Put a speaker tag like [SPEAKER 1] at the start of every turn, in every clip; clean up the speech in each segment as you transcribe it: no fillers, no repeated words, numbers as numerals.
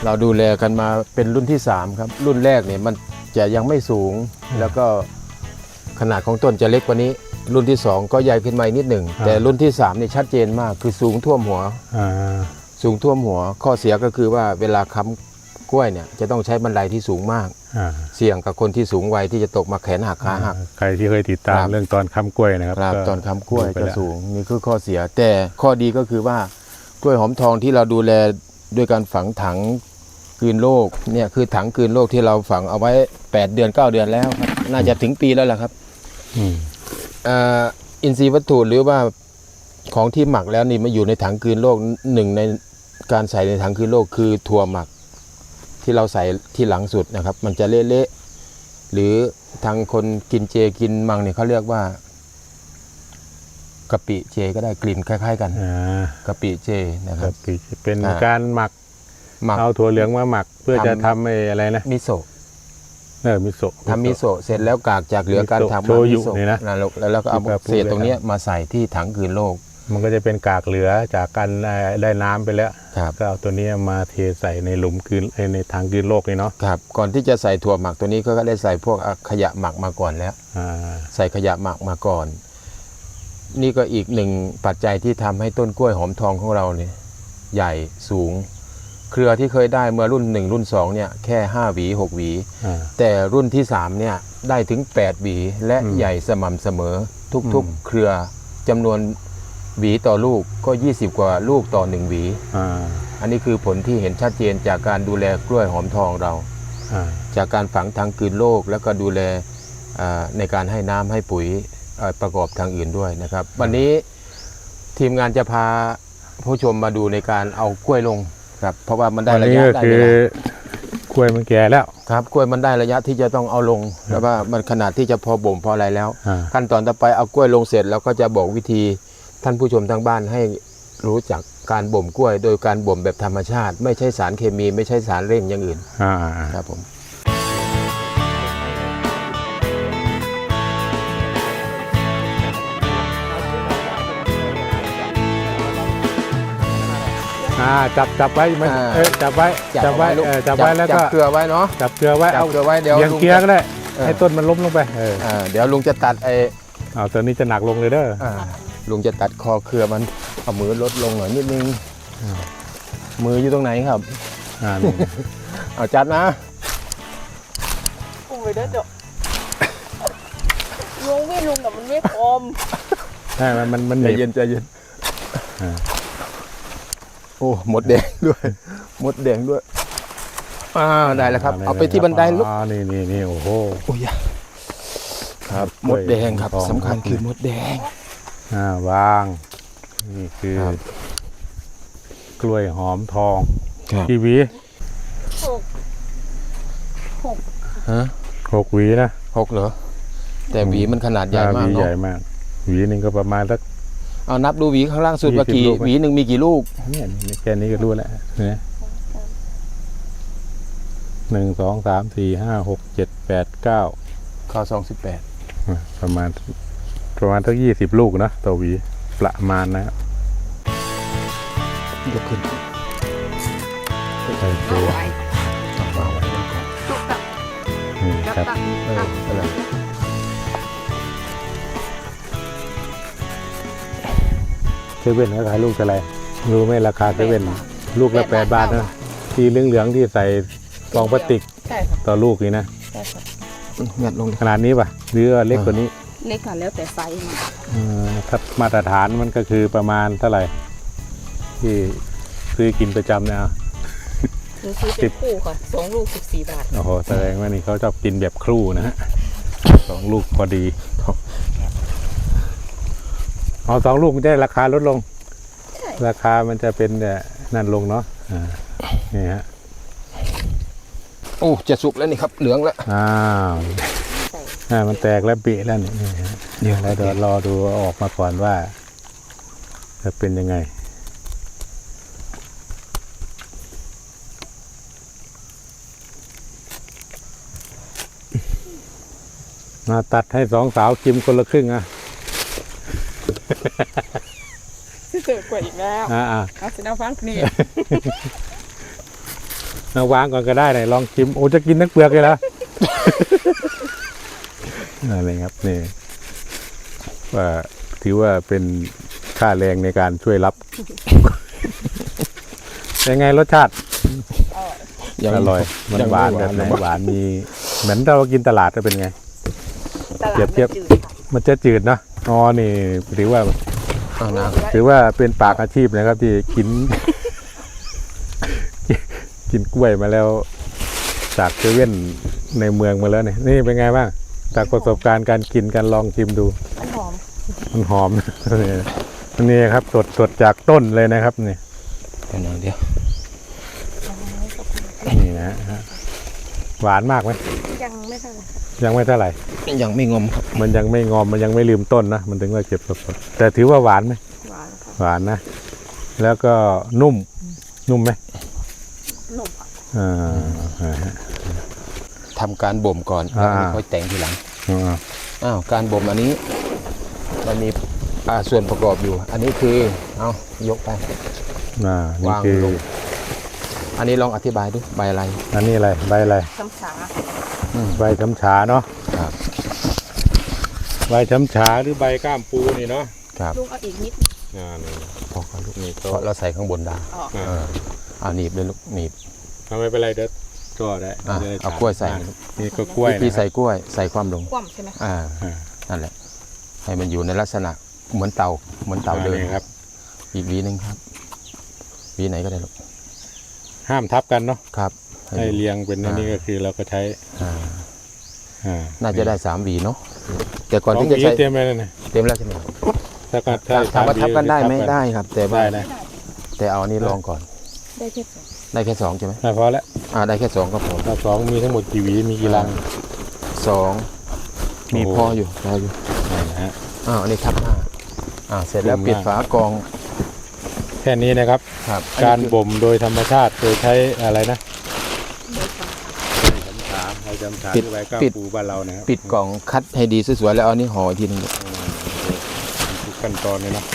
[SPEAKER 1] เราดูแลกันมาเป็นรุ่นที่3ครับรุ่นแรกเนี่ยมันจะยังไม่สูงแล้วก็ขนาดของต้นจะเล็กกว่านี้รุ่นที่2ก็ใหญ่ขึ้นมานิดหนึ่งแต่รุ่นที่3นี่ชัดเจนมากคือสูงท่วมหัวสูงท่วมหัวข้อเสียก็คือว่าเวลาค้ำกล้วยเนี่ยจะต้องใช้บันไดที่สูงมากเสี่ยงกับคนที่สูงวัยที่จะตกมาแขนหักขาหัก
[SPEAKER 2] ใครที่เคยติดตามเรื่องตอนค้ำกล้วยนะครับ
[SPEAKER 1] ตอนค้ำกล้วยจะสูงนี่คือข้อเสียแต่ข้อดีก็คือว่ากล้วยหอมทองที่เราดูแลด้วยการฝังถังกลืนโรคเนี่ยคือถังกลืนโรคที่เราฝังเอาไว้8 เดือน 9 เดือนแล้วครับน่าจะถึงปีแล้วแหละครับอินทรีย์วัตถุหรือว่าของที่หมักแล้วนี่มาอยู่ในถังกลืนโรคหนึ่งในการใส่ในถังกลืนโรคคือถั่วหมักที่เราใส่ที่หลังสุดนะครับมันจะเละๆหรือทางคนกินเจกินมังเนี่ยเขาเรียกว่ากะปิเจก็ได้กลิ่นคล้ายๆกันกะปิเจนะครับ
[SPEAKER 2] เป็นการหมักเอาถั่วเหลืองมาหมักเพื่อจะทำอะไรนะ
[SPEAKER 1] มิโซะ
[SPEAKER 2] มิโซะ
[SPEAKER 1] ทำมิโซะเสร็จแล้วกากจากเหลือการทำ
[SPEAKER 2] โชยุนี่นะ
[SPEAKER 1] แล้วก็เอาเศษตรงนี้มาใส่ที่ถังกลืนโรค
[SPEAKER 2] มันก็จะเป็นกากเหลือจากการได้น้ำไปแล้วก็เอาตัวนี้มาเทใส่ในหลุมกลืนในถังกลืนโรคนี่เนาะ
[SPEAKER 1] ครับก่อนที่จะใส่ถั่วหมักตัวนี้ก็ได้ใส่พวกขยะหมักมาก่อนแล้วใส่ขยะหมักมาก่อนนี่ก็อีกหนึ่งปัจจัยที่ทำให้ต้นกล้วยหอมทองของเราเนี่ยใหญ่สูงเครือที่เคยได้เมื่อรุ่น1รุ่น2เนี่ยแค่5 หวี 6 หวีแต่รุ่นที่3เนี่ยได้ถึง8 หวีและใหญ่สม่ำเสมอทุกๆเครือจำนวนหวีต่อลูกก็20 กว่าลูกต่อ1 หวีอันนี้คือผลที่เห็นชัดเจนจากการดูแลกล้วยหอมทองเราจากการฝังทางกลืนโรคแล้วก็ดูแลในการให้น้ำให้ปุ๋ยประกอบทางอื่นด้วยนะครับวันนี้ทีมงานจะพาผู้ชมมาดูในการเอากล้วยลงครับเพราะว่ามันได้ระยะได้เวล
[SPEAKER 2] ากล้วยมันแก่แล้ว
[SPEAKER 1] ครับกล้วยมันได้ระยะที่จะต้องเอาลงแล้วว่ามันขนาดที่จะพอบ่มพออะไรแล้วขั้นตอนต่อไปเอากล้วยลงเสร็จแล้วก็จะบอกวิธีท่านผู้ชมทางบ้านให้รู้จักการบ่มกล้วยโดยการบ่มแบบธรรมชาติไม่ใช่สารเคมีไม่ใช่สารเร่งอย่างอื่นครับผม
[SPEAKER 2] จับไว้มันจับไว้แล้วก็
[SPEAKER 1] จับเกลือไว้เนาะ
[SPEAKER 2] จับเกลือไว้
[SPEAKER 1] เอาเกลือไว้เดี๋ยว
[SPEAKER 2] เกียร์ก็ได้ให้ต้นมันล้มลงไป
[SPEAKER 1] เดี๋ยวลุงจะตัด
[SPEAKER 2] ตัวนี้จะหนักลงเลยเด้อ
[SPEAKER 1] ลุงจะตัดคอเครือมันเอามือลดลงหน่อยนิดนึงมืออยู่ตรงไหนครับเอาจัดนะ
[SPEAKER 3] ลุงไปเด้อเจ้าลุงไม่ลุงแต่มันไม่พร้อม
[SPEAKER 2] ใช่มัน
[SPEAKER 1] ใจเย็นโอ้หมดแดงด้วยหมดแดงด้วยได้แล้วครับเอาไปที่บันไดลูก
[SPEAKER 2] นี่โอ้โห
[SPEAKER 1] ครับหมดแดงครับสำคัญคือหมดแดง
[SPEAKER 2] วางนี่คือกล้วยหอมทองกี่หวี6 หวีนะ
[SPEAKER 1] 6เหรอแต่หวีมันขนาดใหญ่มาก
[SPEAKER 2] เนาะใหญ่มากหวีนึงก็ประมาณสัก
[SPEAKER 1] เอานับดูหวีข้างล่างสุดว่ากี่หวีหนึ่งมีกี่ลูก
[SPEAKER 2] เนี่ยแค่นี้ก็รู้แล้วเนี่ย1 2 3 4 5 6 7 8 9
[SPEAKER 1] ข้อ28
[SPEAKER 2] ประมาณสัก20 ลูกนะต่อหวีประมาณนะครับ
[SPEAKER 1] ยกขึ้น
[SPEAKER 2] ใส่ตัววางไว้ก่อนครับ
[SPEAKER 1] อะไร
[SPEAKER 2] เซเว่นเขาขายลูกอะไรรู้ไหมราคาเซเว่นลูกละ8 บาทนะที่เหลืองๆที่ใส่ฟองพลาสติกต่อลูกนี่นะ
[SPEAKER 1] งัดลง
[SPEAKER 2] ขนาดนี้ป่ะหรือเล็กกว่านี้
[SPEAKER 3] เล็กค่ะแล้วแต่ไซส์
[SPEAKER 2] ถ้ามาตรฐานมันก็คือประมาณเท่าไหร่ที่ซื้อกินประจำเนี่ย
[SPEAKER 3] ซื้อ10 คู่ค่ะ2 ลูก 14 บาท
[SPEAKER 2] โอ้โหแสดงว่านี่เขาชอบกินแบบครู่นะฮะ2 ลูกพอดีเอา2 ลูกมันจะราคาลดลงราคามันจะเป็นนั่นลงเนาะนี่ฮะ
[SPEAKER 1] โอ้จะสุกแล้วนี่ครับเหลืองแล้ว
[SPEAKER 2] มันแตกแล้วปีแล้วนี่เดี๋ยวรอดูออกมาก่อนว่าจะเป็นยังไงมาตัดให้2 สาวกินคนละครึ่ง
[SPEAKER 3] เจอกว่าอีกแล้วเอาสิน้าฟังนี่
[SPEAKER 2] เอาวางก่อนก็ได้เลยลองชิมโอ้จะกินทั้งเปลือกเลยเหรอ อะไรครับนี่ว่าถือว่าเป็นค่าแรงในการช่วยรับ ยังไงรสชาติอร่อยมันหวานแบบไหนหวานมีเหมือนเรากินตลาดจะเป็นไง
[SPEAKER 3] ตลาด
[SPEAKER 2] เปรียบเทียบ
[SPEAKER 3] มันจืดค่ะ
[SPEAKER 2] มันจะจืดเนาะอ๋อนี่ถือว่า
[SPEAKER 1] เอานะ
[SPEAKER 2] ถือว่าเป็นปากอาชีพนะครับที่กิน กินกล้วยมาแล้วจากเซเว่นในเมืองมาแล้วเนี่ยนี่เป็นไงบ้างจากประสบการณ์การกินการลองชิมดู
[SPEAKER 3] มันหอม
[SPEAKER 2] มันหอม นี่ครับสดจากต้นเลยนะครับนี่
[SPEAKER 1] เดี๋ยว
[SPEAKER 2] นี่นะฮะหวานมากไหม
[SPEAKER 3] ยังไม่เท่าไหร่
[SPEAKER 2] ยังไม่เท่าไหร่
[SPEAKER 1] ยังไม่งอมครับ
[SPEAKER 2] มันยังไม่งอมมันยังไม่ลืมต้นนะมันถึงว่าเก็บสดๆแต่ถือว่าหวานไหม
[SPEAKER 3] หวานค่ะ
[SPEAKER 2] หวานนะ แล้วก็นุ่มไหม
[SPEAKER 3] หนุ่มค่ะ
[SPEAKER 2] อ่า
[SPEAKER 1] ทำการบ่มก่อน
[SPEAKER 2] อ่า
[SPEAKER 1] ค่อยแต่งทีหลัง
[SPEAKER 2] อ่า
[SPEAKER 1] อ้าวการบ่มอันนี้มันมีส่วนประกอบอยู่ อันนี้คือเอายกไป
[SPEAKER 2] นี่
[SPEAKER 1] วาง
[SPEAKER 2] คือ
[SPEAKER 1] ลง อันนี้ลองอธิบายดูใบอะไร
[SPEAKER 2] อันนี้อะไรใบอะไร
[SPEAKER 3] ช้ำชา
[SPEAKER 2] ใบช้ำฉาเนาะ
[SPEAKER 1] ครับ
[SPEAKER 2] ใบช้ำฉาหรือใบก้ามปูนี่เนาะ
[SPEAKER 1] ครับ
[SPEAKER 3] ลูกเอาอีกนิด
[SPEAKER 2] นี่
[SPEAKER 1] พอครับลูก
[SPEAKER 2] นี่
[SPEAKER 1] เพราะเราใส่ข้างบนได้
[SPEAKER 3] ออก
[SPEAKER 1] เอาหนีบเลยลูกหนีบ
[SPEAKER 2] ทำไมเป็นไรเด็ดก็ได้
[SPEAKER 1] เอากล้วยใส่
[SPEAKER 2] นี่ก็กล้วย
[SPEAKER 1] วิธีใส่กล้วยใส่ความลง
[SPEAKER 3] คว่ำใช่ไหมคะ
[SPEAKER 1] นั่นแหละ ให้มันอยู่ในลักษณะเหมือนเตาเดิน
[SPEAKER 2] ครับ
[SPEAKER 1] อีกหวีหนึงครับหวีไหนก็ได้ลูก
[SPEAKER 2] ห้ามทับกันเนาะ
[SPEAKER 1] ครับ
[SPEAKER 2] ให้เรียงเป็นอันนี้ก็คือเราก็ใช้
[SPEAKER 1] น่าจะได้3หวีเนาะแต่ก่อน
[SPEAKER 2] สอง
[SPEAKER 1] ที่
[SPEAKER 2] ห
[SPEAKER 1] จะ
[SPEAKER 2] วี
[SPEAKER 1] ใช้
[SPEAKER 2] เตรียมไว้แล้วเนี่ย
[SPEAKER 1] เต็มแล้วใช่ไหม
[SPEAKER 2] ถ้า
[SPEAKER 1] ถามว่าทับกันได้ไหม
[SPEAKER 2] ทับ
[SPEAKER 1] ได้ครับ แต่ว่า
[SPEAKER 2] ได้นะ
[SPEAKER 1] แต่เอาอันนี้ลองก่อน
[SPEAKER 3] ได้แค่สอง
[SPEAKER 1] ได้แค่2ใช่ไหม
[SPEAKER 2] พอแล้ว
[SPEAKER 1] ได้แค่2ก็พอ
[SPEAKER 2] ถ้าสองมีทั้งหมดกี่หวีมีกี่รัง
[SPEAKER 1] 2มี
[SPEAKER 2] โอ้
[SPEAKER 1] พออยู่พออยู่
[SPEAKER 2] นี่นะฮะ
[SPEAKER 1] อันนี้ทับ5เสร็จแล้ว
[SPEAKER 2] ดีมาก
[SPEAKER 1] ปิดฝากรอง
[SPEAKER 2] แค่นี้นะครับ
[SPEAKER 1] ครับ
[SPEAKER 2] การบ่มโดยธรรมชาติโดยใช้อะไรนะ
[SPEAKER 3] โดยช้ำชา
[SPEAKER 2] ใบจำฉา
[SPEAKER 1] ปิด
[SPEAKER 2] ใบก้าม
[SPEAKER 1] ปิด
[SPEAKER 2] ปูบ้านเรานะครับ
[SPEAKER 1] ปิดกล่องคัดให้ดีสวยๆแล้วเอานี่ห่ออีกทีนึง
[SPEAKER 2] ทุกขั้นตอนเลยเนาะ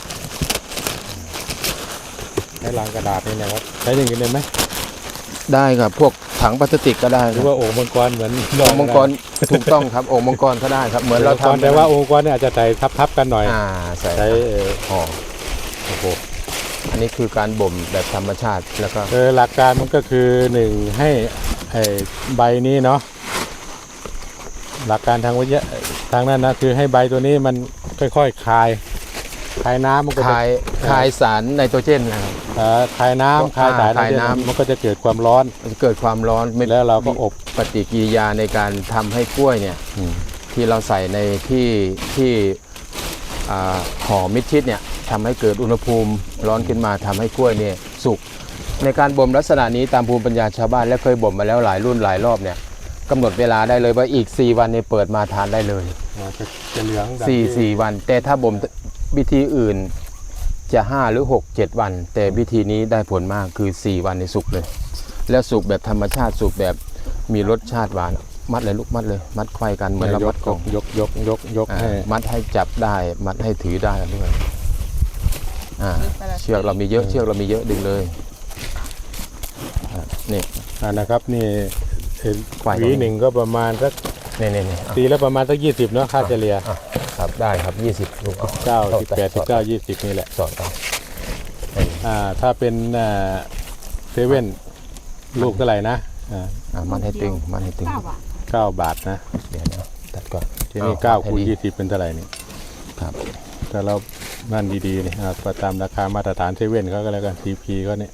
[SPEAKER 2] ใช้ลังกระดาษนี่นะครับใช้อย่างอื่นได้ไหม
[SPEAKER 1] ได้ครับพวกถังพลาสติกก็ได้
[SPEAKER 2] หรือว่าโอ่งมังกรเหมือน
[SPEAKER 1] โอ่งมังกรถูกต้องครับโอ่งมังกรก็ได้ครับเหมือนเราทำ
[SPEAKER 2] แต่ว่าโอ่งมังกรเนี่ยอาจจะใส่ทับๆกันหน่อย
[SPEAKER 1] ใส่
[SPEAKER 2] ใช้
[SPEAKER 1] ห่อ
[SPEAKER 2] โอ้โห
[SPEAKER 1] อันนี้คือการบ่มแบบธรรมชาติแล้วก็
[SPEAKER 2] หลักการมันก็คือหนึ่งให้ไอ้ใบนี้เนาะหลักการทางวิทยาทางนั้นนะคือให้ใบตัวนี้มันค่อยๆคายน้ำมันก็จะ
[SPEAKER 1] คายสารไนโตรเจนนะครับ
[SPEAKER 2] คายน้ำคายสาร
[SPEAKER 1] คายน้ำ
[SPEAKER 2] มันก็จะเกิดความร้อน
[SPEAKER 1] มันเกิดความร้อนไม่
[SPEAKER 2] แล้วเราก็อบ
[SPEAKER 1] ปฏิกิริยาในการทำให้กล้วยเนี่ยที่เราใส่ในที่ห่อมิดชิดเนี่ยทำให้เกิดอุณหภูมิร้อนขึ้นมาทำให้กล้วยเนี่ยสุกในการบ่มลักษณะนี้ตามภูมิปัญญาชาวบ้านและเคยบ่มมาแล้วหลายรุ่นหลายรอบเนี่ยกำหนดเวลาได้เลยว่าอีก4วันเนี่ยเปิดมาทานได้เลย
[SPEAKER 2] จะเหลืองดำ
[SPEAKER 1] 4วัน แต่ถ้าบ่มวิธีอื่นจะ5หรือ6 7วัน แต่วิธีนี้ได้ผลมากคือ4วันในสุกเลย แล้วสุกแบบธรรมชาติสุกแบบมีรสชาติหวานมัดเลยลูกมัดเลยมัดไขว้กันเหมือนเรามัดกล่อง
[SPEAKER 2] ยกให้
[SPEAKER 1] มัดให้จับได้มัดให้ถือได้ด้วยเชือกเรามีเยอะเชือกเรามีเยอะดึงเลยนี่
[SPEAKER 2] นะครับนี่
[SPEAKER 1] ควาย
[SPEAKER 2] หวีหนึ่งก็ประมาณสัก
[SPEAKER 1] นี่
[SPEAKER 2] ตีแล้วประมาณสัก20เนาะค่าเฉลี่ย
[SPEAKER 1] ครับได้ครับ20ลูก
[SPEAKER 2] 9 18 19 20นี่แหละ
[SPEAKER 1] สอดเอา
[SPEAKER 2] ถ้าเป็นเซเว่นลูกเท่าไหร่นะ
[SPEAKER 1] มัดให้ตึงมัดให้ตึง
[SPEAKER 3] 9 บาท
[SPEAKER 2] 9 บาทนะ
[SPEAKER 1] เดี๋ยวนะตัดก่อน
[SPEAKER 2] ทีนี้9คูณ20เป็นเท่าไหร่นี่
[SPEAKER 1] ครับ
[SPEAKER 2] แต่เรานั่นดีๆนี่ประตามราคามาตรฐานเซเว่นเขาก็แล้วกัน CP ก็เนี่ย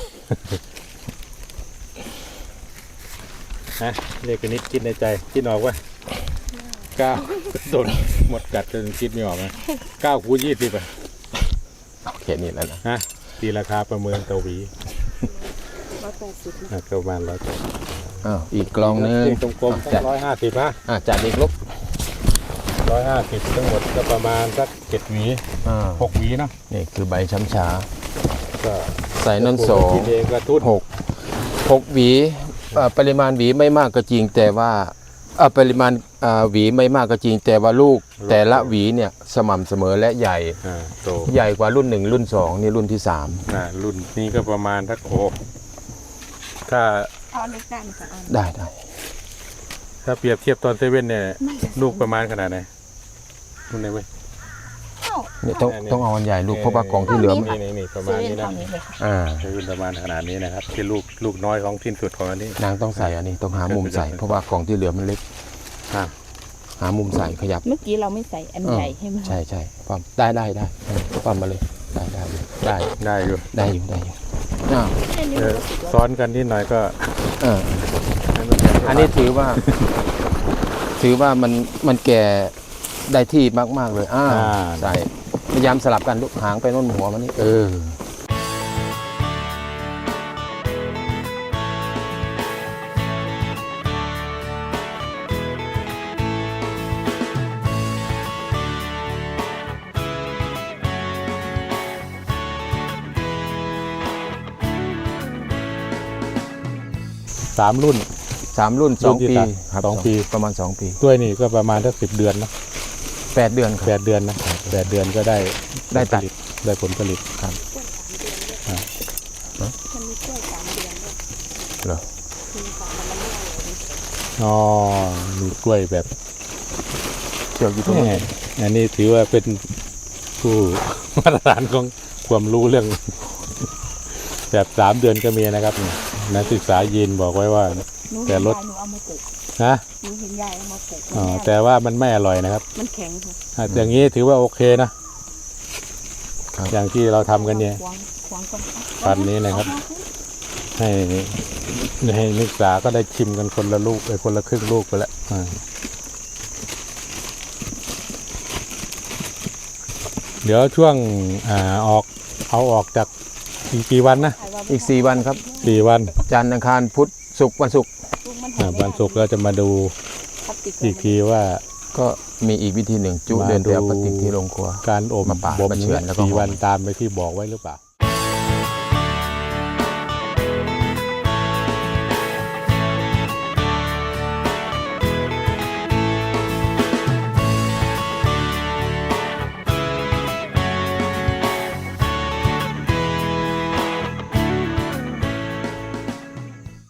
[SPEAKER 2] นะเรียกกันนิดคิดในใจคิดออกว่า9โดนหมดกัดจนคิดไม่ออกนะ9คูณ20อ่ะ
[SPEAKER 1] โอเคนี่แล้วนะ
[SPEAKER 2] ฮะตีราคาประเมินต่อหวี
[SPEAKER 3] 180
[SPEAKER 2] ประมาณ
[SPEAKER 1] อีกกล่องนึง
[SPEAKER 2] ตรงกลมๆ
[SPEAKER 1] จัด
[SPEAKER 2] 150นะ
[SPEAKER 1] จัดอีกลบ
[SPEAKER 2] 150ทั้งหมดก็ประมาณสัก7หวี6หวีเนาะ
[SPEAKER 1] นี่คือใบช้ำชา
[SPEAKER 2] ก็
[SPEAKER 1] ใส่นั่น
[SPEAKER 2] กินเองก็ทุน
[SPEAKER 1] 6หวีปริมาณหวีไม่มากก็จริงแต่ว่าปริมาณหวีไม่มากก็จริงแต่ว่าลูกแต่ละหวีเนี่ยสม่ำเสมอและใหญ่
[SPEAKER 2] โต
[SPEAKER 1] ใหญ่กว่ารุ่น1รุ่น2นี่รุ่นที่3
[SPEAKER 2] รุ่นนี้ก็ประมาณสักถ้า
[SPEAKER 3] เอาเล็กได้ไหมคะเอา
[SPEAKER 1] ได้
[SPEAKER 2] ถ้าเปรียบเทียบตอนเซเว่นเนี่ยลูกประมาณขนาดไหนลูกไหนเว้ย
[SPEAKER 1] เนี่ยต้องเอาอันใหญ่ลูกเพราะว่ากล่องที่เหลือมัน
[SPEAKER 2] นี่ประ
[SPEAKER 3] เซ
[SPEAKER 2] มาณ
[SPEAKER 3] เว่น
[SPEAKER 2] นี้นะ
[SPEAKER 3] เท่านี้เลยค่ะ
[SPEAKER 1] อ่า
[SPEAKER 2] เซเว่นประมาณขนาดนี้นะครับที่ลูกน้อยของที่สุดของอันนี้
[SPEAKER 1] นางต้องใส่อันนี้ต้องหามุมใส่เพราะว่ากล่องที่เหลือมันเล็ก
[SPEAKER 2] อ่า
[SPEAKER 1] หามุมใส่ขยับ
[SPEAKER 3] เมื่อกี้เราไม่ใส่อันใหญ่ให้มัน
[SPEAKER 1] ใช่ปั๊มได้ปั๊มมาเลยได้
[SPEAKER 2] ได้อยู่
[SPEAKER 1] อ้าว
[SPEAKER 3] แค่นี้
[SPEAKER 2] เอ
[SPEAKER 3] มัน
[SPEAKER 2] อ
[SPEAKER 3] ก็สุดแล้ว
[SPEAKER 2] ซ้อนกันนิดหน่อยก็
[SPEAKER 1] เอออันนี้ถือว่ามันแก่ได้ที่มากๆเลยใช่พยายามสลับกันลูกหางไปโน่นหัวมันนี่
[SPEAKER 2] 3 รุ่น
[SPEAKER 1] 3 รุ่น
[SPEAKER 2] รุ่นที่
[SPEAKER 1] 2 ปี
[SPEAKER 2] สาม
[SPEAKER 1] ครับ
[SPEAKER 2] 2 ปี
[SPEAKER 1] ประมาณ 2 ปี
[SPEAKER 2] ด้วยนี่ก็ประมาณสัก10 เดือนนะ
[SPEAKER 1] 8 เดือนครับ
[SPEAKER 2] 8 เดือนนะ8 เดือนก็ได้
[SPEAKER 1] ได้ตัด
[SPEAKER 2] ได้ผลผลิต
[SPEAKER 3] มันมีกล้วย3 เดือนด้วย
[SPEAKER 1] เหรอ
[SPEAKER 3] คือค่ะมันไม่อร่อย
[SPEAKER 2] อ๋อมีกล้วยแบบ
[SPEAKER 1] เชือกอยู่ตรง
[SPEAKER 2] แห
[SPEAKER 1] นี้
[SPEAKER 2] ม่อันนี้ถือว่าเป็นผู้ มาตรฐานของความรู้เรื่อง แบบ3 เดือนก็มีนะครับนี่นักศึกษายีนบอกไว้ว่า
[SPEAKER 3] หนู
[SPEAKER 2] แต่
[SPEAKER 3] เห็น
[SPEAKER 2] รส
[SPEAKER 3] ยายหนูเอามาปลูก
[SPEAKER 2] นะ
[SPEAKER 3] หนูเห็นยายเอามาปลูก
[SPEAKER 2] อ๋อ
[SPEAKER 3] มัน
[SPEAKER 2] แต่ว่ามันไม่อร่อยนะครับ
[SPEAKER 3] มันแข็งค่ะ
[SPEAKER 2] อย่างนี้ถือว่าโอเคนะ อย่างที่เราทำกันเนี่ย
[SPEAKER 3] ขวางก่อน
[SPEAKER 2] พันธุ์นี้นะครับ ให้นักศึกษาก็ได้ชิมกันคนละลูกคนละครึ่งลูกไปแล้วเดี๋ยวช่วงเอาออกจากอีกกี่วันนะ
[SPEAKER 1] อีก 4 วันครับ
[SPEAKER 2] 4 วัน
[SPEAKER 1] จันทร์อังคารพุธศุกร์วันศุกร์
[SPEAKER 3] ลูกมันหอม
[SPEAKER 2] วันศุกร์เราจะมาดู
[SPEAKER 3] พลาสติก
[SPEAKER 2] อีกทีว่า
[SPEAKER 1] ก็มีอีกวิธีหนึ่งจุเดินไปเอาพลาสติกที่โรงครัว
[SPEAKER 2] การอบ
[SPEAKER 1] มาปาด
[SPEAKER 2] บ่ม
[SPEAKER 1] มาเฉือนแล้วก็
[SPEAKER 2] กี่
[SPEAKER 1] ห่อ
[SPEAKER 2] วันตามไปที่บอกไว้หรือเปล่า